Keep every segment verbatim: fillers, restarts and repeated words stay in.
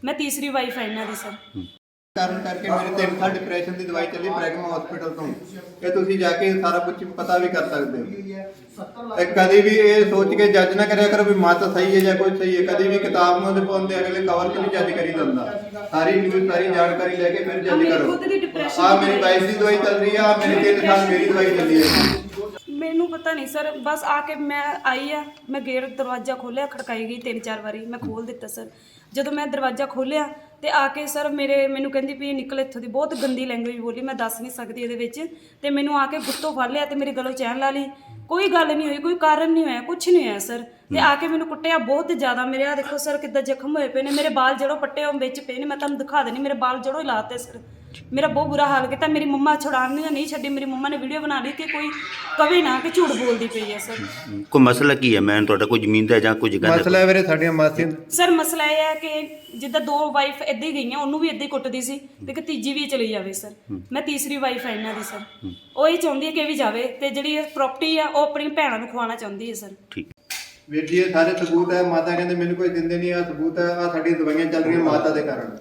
मैं तीसरी वाइफ है इन्हां दी सर। ਕਾਰਨ ਕਰਕੇ ਮੇਰੇ ਤਿੰਨ ਸਾਲ ਡਿਪਰੈਸ਼ਨ ਦੀ ਦਵਾਈ ਚੱਲੀ ਪ੍ਰੈਗਮਾ ਹਸਪੀਟਲ ਤੋਂ। ਇਹ ਤੁਸੀਂ ਜਾ ਕੇ ਸਾਰਾ ਕੁਝ ਪਤਾ ਵੀ ਕਰ ਸਕਦੇ ਹੋ। ਇਹ ਕਦੇ ਵੀ ਇਹ ਸੋਚ ਕੇ ਜੱਜ ਨਾ ਕਰਿਆ ਕਰੋ ਵੀ ਮਾਤਾ ਸਹੀ ਹੈ ਜਾਂ ਕੋਈ ਸਹੀ ਹੈ। ਕਦੇ ਵੀ ਕਿਤਾਬ ਨੂੰ ਉਹਦੇ ਪਾਉਂਦੇ ਅਗਲੇ ਕਵਰ ਤੇ ਨਹੀਂ ਜੱਜ ਕਰੀ ਜਾਂਦਾ। ਸਾਰੀ ਨਿਊਜ਼ ਸਾਰੀ ਜਾਣਕਾਰੀ ਲੈ ਕੇ ਫਿਰ ਜੱਜ ਕਰੋ। ਆ ਮੇਰੀ ਵਾਈਫ ਦੀ ਦਵਾਈ ਚੱਲ ਰਹੀ ਆ, ਮੇਰੇ ਤਿੰਨ ਸਾਲ ਮੇਰੀ ਦਵਾਈ ਚੱਲੀ ਹੈ। ਮੈਨੂੰ ਪਤਾ ਨਹੀਂ ਸਰ, ਬਸ ਆ ਕੇ ਮੈਂ ਆਈ ਆ, ਮੈਂ ਗੇਟ ਦਰਵਾਜ਼ਾ ਖੋਲ੍ਹਿਆ, ਖੜਕਾਈ ਗਈ ਤਿੰਨ ਚਾਰ ਵਾਰੀ, ਮੈਂ ਖੋਲ੍ਹ ਦਿੱਤਾ ਸਰ। ਜਦੋਂ ਮੈਂ ਦਰਵਾਜ਼ਾ ਖੋਲ੍ਹਿਆ ਤੇ ਆ ਕੇ ਸਰ ਮੇਰੇ ਮੈਨੂੰ ਕਹਿੰਦੀ ਵੀ ਨਿਕਲ ਇੱਥੋਂ ਦੀ, ਬਹੁਤ ਗੰਦੀ ਲੈਂਗੁਏਜ ਬੋਲੀ, ਮੈਂ ਦੱਸ ਨਹੀਂ ਸਕਦੀ ਇਹਦੇ ਵਿੱਚ। ਤੇ ਮੈਨੂੰ ਆ ਕੇ ਗੁੱਤੋਂ ਫੜ ਲਿਆ ਤੇ ਮੇਰੇ ਗਲੋਂ ਚੈਨ ਲਾ ਲਈ। ਕੋਈ ਗੱਲ ਨਹੀਂ ਹੋਈ, ਕੋਈ ਕਾਰਨ ਨਹੀਂ ਹੋਇਆ, ਕੁਝ ਨਹੀਂ ਹੋਇਆ ਸਰ। ਤੇ ਆ ਕੇ ਮੈਨੂੰ ਕੁੱਟਿਆ ਬਹੁਤ ਜ਼ਿਆਦਾ। ਮੇਰੇ ਆ ਦੇਖੋ ਸਰ ਕਿੱਦਾਂ ਜ਼ਖਮ ਹੋਏ ਪਏ ਨੇ, ਮੇਰੇ ਬਾਲ ਜੜੋਂ ਪੱਟੇ ਉਹ ਵਿੱਚ ਪਏ ਨੇ, ਮੈਂ ਤੁਹਾਨੂੰ ਦਿਖਾ ਦੇਣੀ, ਮੇਰੇ ਬਾਲ ਜੜੋਂ ਹੀ ਲਾਤੇ ਸਰ। ਮੇਰਾ ਬਹੁਤ ਬੁਰਾ ਹਾਲ ਕੀਤਾ। ਮੇਰੀ ਮੰਮਾ ਛੁਡਾਉਣ ਨਹੀਂ ਛੱਡੀ, ਮੇਰੀ ਮੰਮਾ ਨੇ ਵੀਡੀਓ ਬਣਾ ਲਈ ਕਿ ਕੋਈ ਕਵੇ ਨਾ ਕਿ ਝੂਠ ਬੋਲਦੀ ਪਈ ਹੈ ਸਰ। ਕੋਈ ਮਸਲਾ ਕੀ ਹੈ? ਮੈਂ ਤੁਹਾਡਾ ਕੋਈ ਜ਼ਮੀਨ ਦਾ ਜਾਂ ਕੁਝ ਗੱਲ ਮਸਲਾ ਹੈ ਵੀਰੇ ਸਾਡੀਆਂ ਮਾਸੀਆਂ ਸਰ, ਮਸਲਾ ਇਹ ਹੈ ਕਿ ਜਿੱਦਾਂ ਦੋ ਵਾਈਫ ਇੱਦਾਂ ਹੀ ਗਈਆਂ, ਉਹਨੂੰ ਵੀ ਇੱਦਾਂ ਹੀ ਕੁੱਟਦੀ ਸੀ ਤੇ ਕਿ ਤੀਜੀ ਵੀ ਚਲੀ ਜਾਵੇ ਸਰ। ਮੈਂ ਤੀਸਰੀ ਵਾਈਫ ਹੈ ਇਹਨਾਂ ਦੀ ਸਰ। ਉਹ ਇਹ ਚਾਹੁੰਦੀ ਹੈ ਕਿ ਵੀ ਜਾਵੇ ਤੇ ਜਿਹੜੀ ਪ੍ਰਾਪਰਟੀ ਆ ਉਹ ਆਪਣੀ ਭੈਣਾਂ ਨੂੰ ਖਵਾਉਣਾ ਚਾਹੁੰਦੀ ਹੈ ਸਰ। ਠੀਕ ਵੀਰ ਜੀ ਇਹ ਸਾਰੇ ਸਬੂਤ ਹੈ। ਮਾਤਾ ਕਹਿੰਦੇ ਮੈਨੂੰ ਕੋਈ ਦਿੰਦੇ ਨਹੀਂ, ਆ ਸਬੂਤ ਹੈ। ਆ ਸਾਡੀਆਂ ਦਵਾਈਆਂ ਚੱਲ ਰਹੀਆਂ ਮਾਤਾ ਦੇ ਕਾਰਨ।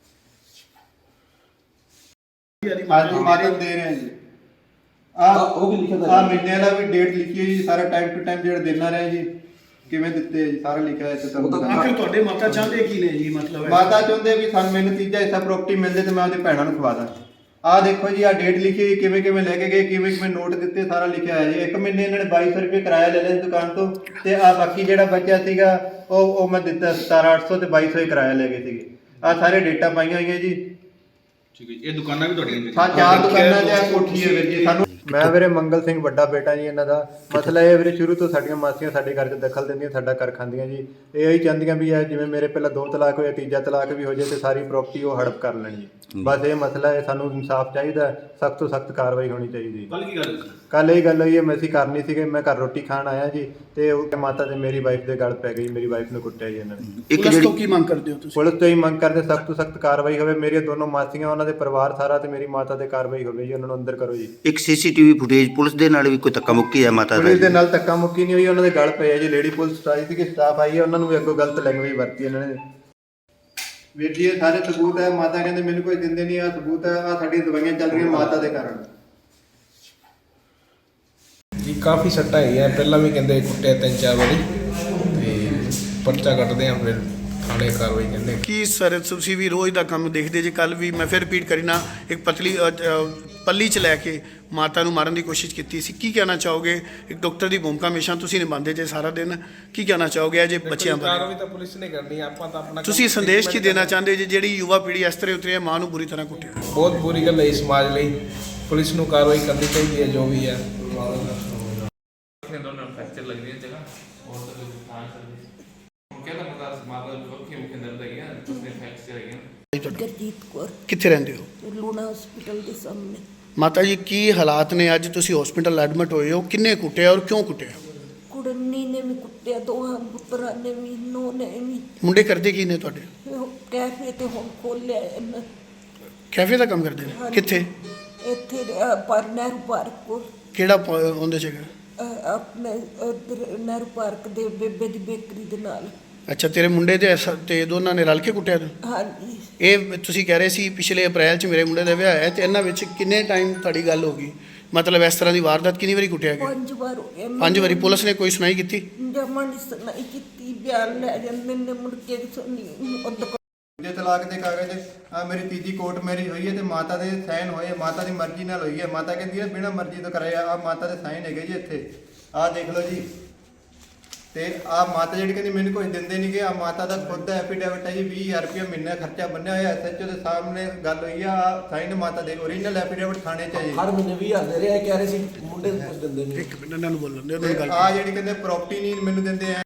ਅੱਜ ਮਾਤਾ ਦੇ ਰਹੇ ਹਾਂ ਜੀ। ਆ ਉਹ ਵੀ ਲਿਖਿਆ ਆ ਮਹੀਨੇ ਦਾ ਵੀ ਡੇਟ ਲਿਖੀ ਹੈ ਜੀ, ਸਾਰਾ ਟਾਈਮ ਟੂ ਟਾਈਮ ਜਿਹੜਾ ਦੇਣਾ ਰਿਹਾ ਜੀ, ਕਿਵੇਂ ਦਿੱਤੇ ਹੈ ਜੀ, ਸਾਰਾ ਲਿਖਿਆ ਹੈ। ਤੇ ਤੁਹਾਨੂੰ ਆਖਿਰ ਤੁਹਾਡੇ ਮਾਤਾ ਚਾਹੁੰਦੇ ਕੀ ਨੇ ਜੀ? ਮਤਲਬ ਮਾਤਾ ਚਾਹੁੰਦੇ ਵੀ ਸਾਨੂੰ ਮੈਨੂੰ ਤੀਜਾ ਹਿੱਸਾ ਪ੍ਰਾਪਰਟੀ ਮਿਲ ਜੇ ਤੇ ਮੈਂ ਉਹਦੀ ਭੈਣਾਂ ਨੂੰ ਖਵਾ ਦਾਂ। ਆਹ ਦੇਖੋ ਜੀ, ਆ ਡੇਟ ਲਿਖੀ ਹੋਈ, ਕਿਵੇਂ ਕਿਵੇਂ ਲੈ ਕੇ ਗਏ, ਕਿਵੇਂ ਕਿਵੇਂ ਨੋਟ ਦਿੱਤੇ, ਸਾਰਾ ਲਿਖਿਆ ਹੈ ਜੀ। ਇੱਕ ਮਹੀਨੇ ਇਹਨਾਂ ਨੇ ਬਾਈ ਸੌ ਰੁਪਏ ਕਿਰਾਇਆ ਲੈ ਲਿਆ ਦੁਕਾਨ ਤੋਂ, ਤੇ ਆ ਬਾਕੀ ਜਿਹੜਾ ਬਚਿਆ ਸੀਗਾ ਉਹ ਉਹ ਮੈਂ ਦਿੱਤਾ ਸਤਾਰਾਂ ਅੱਠ ਸੌ ਤੇ ਬਾਈ ਸੌ ਹੀ ਕਿਰਾਇਆ ਲੈ ਗਏ ਸੀਗੇ। ਆ ਸਾਰੇ ਡੇਟਾ ਪਾਈਆਂ ਹੋਈਆਂ ਜੀ। ਠੀਕ ਹੈ, ਇਹ ਦੁਕਾਨਾਂ ਵੀ ਤੁਹਾਡੀਆਂ ਨੇ? ਹਾਂ, ਚਾਰ ਦੁਕਾਨਾਂ ਤੇ ਆ ਕੋਠੀ ਹੈ ਵੀਰ ਜੀ। ਸਾਨੂੰ ਮੈਂ ਵੀਰੇ ਮੰਗਲ ਸਿੰਘ ਵੱਡਾ ਬੇਟਾ ਜੀ ਇਹਨਾਂ ਦਾ। ਮਸਲਾ ਇਹ ਵੀਰੇ ਸ਼ੁਰੂ ਤੋਂ ਸਾਡੀਆਂ ਮਾਸੀਆਂ ਸਾਡੇ ਘਰ 'ਚ ਦਖਲ ਦਿੰਦੀਆਂ, ਸਾਡਾ ਘਰ ਖਾਂਦੀਆਂ ਜੀ। ਇਹ ਹੀ ਚਾਹੁੰਦੀਆਂ ਵੀ ਇਹ ਜਿਵੇਂ ਮੇਰੇ ਪਹਿਲਾਂ ਦੋ ਤਲਾਕ ਹੋਇਆ, ਤੀਜਾ ਤਲਾਕ ਵੀ ਹੋ ਜਾਏ ਤੇ ਸਾਰੀ ਪ੍ਰਾਪਰਟੀ ਉਹ ਹੜਪ ਕਰ ਲੈਣ ਜੀ। ਬਸ ਇਹ ਮਸਲਾ ਹੈ, ਸਾਨੂੰ ਇਨਸਾਫ ਚਾਹੀਦਾ, ਸਖਤ ਤੋਂ ਸਖਤ ਕਾਰਵਾਈ ਹੋਣੀ ਚਾਹੀਦੀ। ਕੱਲ ਕੀ ਗੱਲ? ਕੱਲ ਇਹ ਗੱਲ ਹੋਈ ਹੈ, ਮੈਂ ਅਸੀਂ ਕਰਨੀ ਸੀਗੇ, ਮੈਂ ਘਰ ਰੋਟੀ ਖਾਣ ਆਇਆ ਜੀ ਤੇ ਉਹ ਮਾਤਾ ਤੇ ਮੇਰੀ ਵਾਈਫ ਦੇ ਗਲ ਪੈ ਗਈ, ਮੇਰੀ ਵਾਈਫ ਨੂੰ ਕੁੱਟਿਆ ਜੀ ਇਹਨਾਂ ਨੇ। ਪੁਲਿਸ ਤੋਂ ਕੀ ਮੰਗ ਕਰਦੇ ਹੋ ਤੁਸੀਂ? ਪੁਲਿਸ ਤੋਂ ਹੀ ਮੰਗ ਕਰਦੇ ਸਖਤ ਤੋਂ ਸਖਤ ਕਾਰਵਾਈ ਹੋਵੇ। ਮੇਰੀਆਂ ਦੋਨੋਂ ਮਾਸੀਆਂ, ਉਹਨਾਂ ਦੇ ਪਰਿਵਾਰ ਸਾਰਾ ਤੇ ਮੇਰੀ ਮਾਤਾ ਤੇ ਕਾਰਵਾਈ ਹੋਵੇ ਜੀ, ਉਹਨਾਂ ਨੂੰ ਅੰਦਰ ਕਰੋ ਜੀ। ਇੱਕ ਸੀਸੀਟੀਵੀ ਫੁਟੇਜ ਪੁਲਿਸ ਦੇ ਨਾਲ ਵੀ ਕੋਈ ਧੱਕਾ ਮੁੱਕੀ ਹੈ ਮਾਤਾ ਦਾ? ਪੁਲਿਸ ਦੇ ਨਾਲ ਧੱਕਾ ਮੁੱਕੀ ਨਹੀਂ ਹੋਈ, ਉਹਨਾਂ ਦੇ ਗਲ ਪਏ ਆ ਜੀ। ਲੇਡੀ ਪੁਲਿਸ ਆਈ ਸੀ ਕਿ ਸਟਾਫ ਆਈ ਹੈ, ਉਹਨਾਂ ਨੂੰ ਵੀ ਅੱਗੋਂ ਗਲਤ ਲੈਂਗੁਏਜ ਵਰਤੀ ਇਹਨਾਂ ਨੇ। ਵੀਰ ਜੀ ਇਹ ਸਾਰੇ ਸਬੂਤ ਹੈ। ਮਾਤਾ ਕਹਿੰਦੇ ਮੈਨੂੰ ਕੋਈ ਦਿੰਦੇ ਨਹੀਂ, ਆ ਸਬੂਤ ਹੈ। ਆ ਸਾਡੀਆਂ ਦਵਾਈਆਂ ਚੱਲ ਰਹੀਆਂ ਮਾਤਾ ਦੇ ਕਾਰਨ ਜੀ। ਕਾਫੀ ਸੱਟਾਂ ਹੈਗੀਆਂ, ਪਹਿਲਾਂ ਵੀ ਕਹਿੰਦੇ ਕੁੱਟਿਆ ਤਿੰਨ ਚਾਰ ਵਾਰੀ, ਤੇ ਪਰਚਾ ਕੱਟਦੇ ਆ ਫਿਰ ਥਾਣੇ ਕਾਰਵਾਈ ਕਹਿੰਦੇ। ਕੀ ਸਰ ਤੁਸੀਂ ਵੀ ਰੋਜ਼ ਦਾ ਕੰਮ ਦੇਖਦੇ ਜੇ? ਕੱਲ ਵੀ ਮੈਂ ਫਿਰ ਰਿਪੀਟ ਕਰੀਨਾ, ਇੱਕ ਪਤਲੀ ਪੱਲੀ 'ਚ ਲੈ ਕੇ ਮਾਤਾ ਨੂੰ ਮਾਰਨ ਦੀ ਕੋਸ਼ਿਸ਼ ਕੀਤੀ ਸੀ। ਕੀ ਕਹਿਣਾ ਚਾਹੋਗੇ? ਇੱਕ ਡਾਕਟਰ ਦੀ ਭੂਮਿਕਾ ਹਮੇਸ਼ਾ ਤੁਸੀਂ ਨਿਭਾਉਂਦੇ ਜੇ ਸਾਰਾ ਦਿਨ, ਕੀ ਕਹਿਣਾ ਚਾਹੋਗੇ ਜੇ ਬੱਚਿਆਂ ਬਾਰੇ? ਕਾਰਵਾਈ ਤਾਂ ਪੁਲਿਸ ਨੇ ਕਰਨੀ, ਆਪਾਂ ਤਾਂ ਆਪਣਾ ਤੁਸੀਂ ਸੰਦੇਸ਼ ਕੀ ਦੇਣਾ ਚਾਹੁੰਦੇ ਜੇ ਜਿਹੜੀ ਯੁਵਾ ਪੀੜ੍ਹੀ ਇਸ ਤਰ੍ਹਾਂ ਉਤਰੀ ਹੈ, ਮਾਂ ਨੂੰ ਬੁਰੀ ਤਰ੍ਹਾਂ ਕੁੱਟਿਆ? ਬਹੁਤ ਬੁਰੀ ਗੱਲ ਹੈ ਸਮਾਜ ਲਈ, ਪੁਲਿਸ ਨੂੰ ਕਾਰਵਾਈ ਕਰਨੀ ਚਾਹੀਦੀ ਹੈ ਜੋ ਵੀ ਹੈ। दोनों फ्रैक्चर लग रही है जगह और तो नुकसान कर दी क्या था पता माता के मुख्य दर्द है क्या उसने फ्रैक्चर है क्या? ਗੁਰਜੀਤ ਕੌਰ, ਕਿੱਥੇ ਰਹਿੰਦੇ ਹੋ? ਲੂਣਾ ਹਸਪੀਟਲ ਦੇ ਸਾਹਮਣੇ। ਮਾਤਾ ਜੀ ਕੀ ਹਾਲਾਤ ਨੇ? ਅੱਜ ਤੁਸੀਂ ਹਸਪੀਟਲ ਐਡਮਿਟ ਹੋਏ ਹੋ, ਕਿੰਨੇ ਕੁੱਟਿਆ ਔਰ ਕਿਉਂ ਕੁੱਟਿਆ? ਕੁੜਨੀ ਨੇ ਵੀ ਕੁੱਟਿਆ, ਦੋਹਾਂ ਪੁੱਤਰਾਂ ਨੇ ਵੀ, ਨੋ ਨੇ ਵੀ। ਮੁੰਡੇ ਕਰਦੇ ਕੀ ਨੇ ਤੁਹਾਡੇ? ਉਹ ਕੈਫੇ ਤੇ ਹੁਣ ਖੋਲਿਆ ਇਹਨਾਂ। ਕੈਫੇ ਦਾ ਕੰਮ ਕਰਦੇ ਨੇ? ਕਿੱਥੇ? ਇੱਥੇ ਅਹ, ਪਰ ਨਹਿਰੂ ਪਾਰਕ ਕੋਲ। ਕਿਹੜਾ ਪ- ਉਹਦੇ 'ਚ ਹੈਗਾ? ਅਹ, ਆਪਣੇ ਉੱਧਰ ਨਹਿਰੂ ਪਾਰਕ ਦੇ ਬੇਬੇ ਦੀ ਬੇਕਰੀ ਦੇ ਨਾਲ। ਅੱਛਾ, ਤੇਰੇ ਮੁੰਡੇ ਤੇ ਐਸਾ- ਤੇ ਦੋਨਾਂ ਨੇ ਰਲ ਕੇ ਕੁੱਟਿਆ ਤੈਨੂੰ? ਹਾਂਜੀ। ਇਹ ਤੁਸੀਂ ਕਹਿ ਰਹੇ ਸੀ ਪਿਛਲੇ ਅਪ੍ਰੈਲ 'ਚ ਮੇਰੇ ਮੁੰਡੇ ਦਾ ਵਿਆਹ ਹੈ, ਤੇ ਇਹਨਾਂ ਵਿੱਚ ਕਿੰਨੇ ਟਾਈਮ ਤੁਹਾਡੀ ਗੱਲ ਹੋ ਗਈ? ਮਤਲਬ ਇਸ ਤਰ੍ਹਾਂ ਦੀ ਵਾਰਦਾਤ ਕਿੰਨੀ ਵਾਰੀ ਕੁੱਟਿਆ ਗਿਆ? ਪੰਜ ਵਾਰ ਹੋ ਗਿਆ। ਪੰਜ ਵਾਰੀ। ਪੁਲਿਸ ਨੇ ਕੋਈ ਸੁਣਾਈ ਕੀਤੀ? ਜਮਾਂ ਨਹੀਂ ਸੁਣਾਈ ਕੀਤੀ, ਬਿਆਨ ਲੈ ਜਾਂਦੇ ਨੇ, ਮੁੜ ਕੇ ਸੁਣੀ ਉਦੋਂ। ਜੇ ਤਲਾਕ ਦੇ ਕਾਗਜ਼ ਆ ਮੇਰੀ ਤੀਜੀ ਕੋਰਟ ਮੈਰਿਜ ਹੋਈ ਹੈ ਤੇ ਮਾਤਾ ਦੇ ਸਾਈਨ ਹੋਏ, ਮਾਤਾ ਦੀ ਮਰਜ਼ੀ ਨਾਲ ਹੋਈ ਹੈ। ਮਾਤਾ ਕਹਿੰਦੀ ਹੈ ਬਿਨਾਂ ਮਰਜ਼ੀ ਤੋਂ ਕਰਾਇਆ। ਆ ਮਾਤਾ ਦੇ ਸਾਈਨ ਹੈਗੇ ਜੀ ਇੱਥੇ, ਆਹ ਦੇਖ ਲਓ ਜੀ। ਤੇ ਆ ਮਾਤਾ ਜਿਹੜੀ ਕਹਿੰਦੀ ਮੈਨੂੰ ਕੁਝ ਦਿੰਦੇ ਨਹੀਂ ਗੇ, ਆ ਮਾਤਾ ਦਾ ਖੁਦ ਦਾ ਐਫੀਡੇਵਿਟ ਹੈ ਜੀ। ਵੀਹ ਹਜ਼ਾਰ ਰੁਪਏ ਮਹੀਨਾ ਖਰਚਾ ਬੰਨਿਆ ਹੋਇਆ ਐਸਐਚਓ ਦੇ ਸਾਹਮਣੇ ਗੱਲ ਹੋਈ ਆ। ਸਾਈਨ ਮਾਤਾ ਦੇ, ਓਰੀਜਨਲ ਐਫੀਡੇਵਿਟ ਥਾਣੇ 'ਚ ਹੈ ਜੀ। ਹਰ ਮਹੀਨੇ ਵੀਹ ਹਜ਼ਾਰ ਦੇ ਰਿਹਾ, ਕਹਿ ਰਹੇ ਸੀ ਮੁੰਡੇ ਨੂੰ ਕੁਝ ਦਿੰਦੇ ਨਹੀਂ। ਇੱਕ ਮਿੰਟ ਇਹਨਾਂ ਨੂੰ ਬੋਲਣ ਦਿਓ, ਉਹਨਾਂ ਦੀ ਗੱਲ ਆ ਜਿਹੜੀ ਕਹਿੰਦੇ ਪ੍ਰਾਪਰਟੀ ਨਹੀਂ ਮੈਨੂੰ ਦਿੰਦੇ ਆ।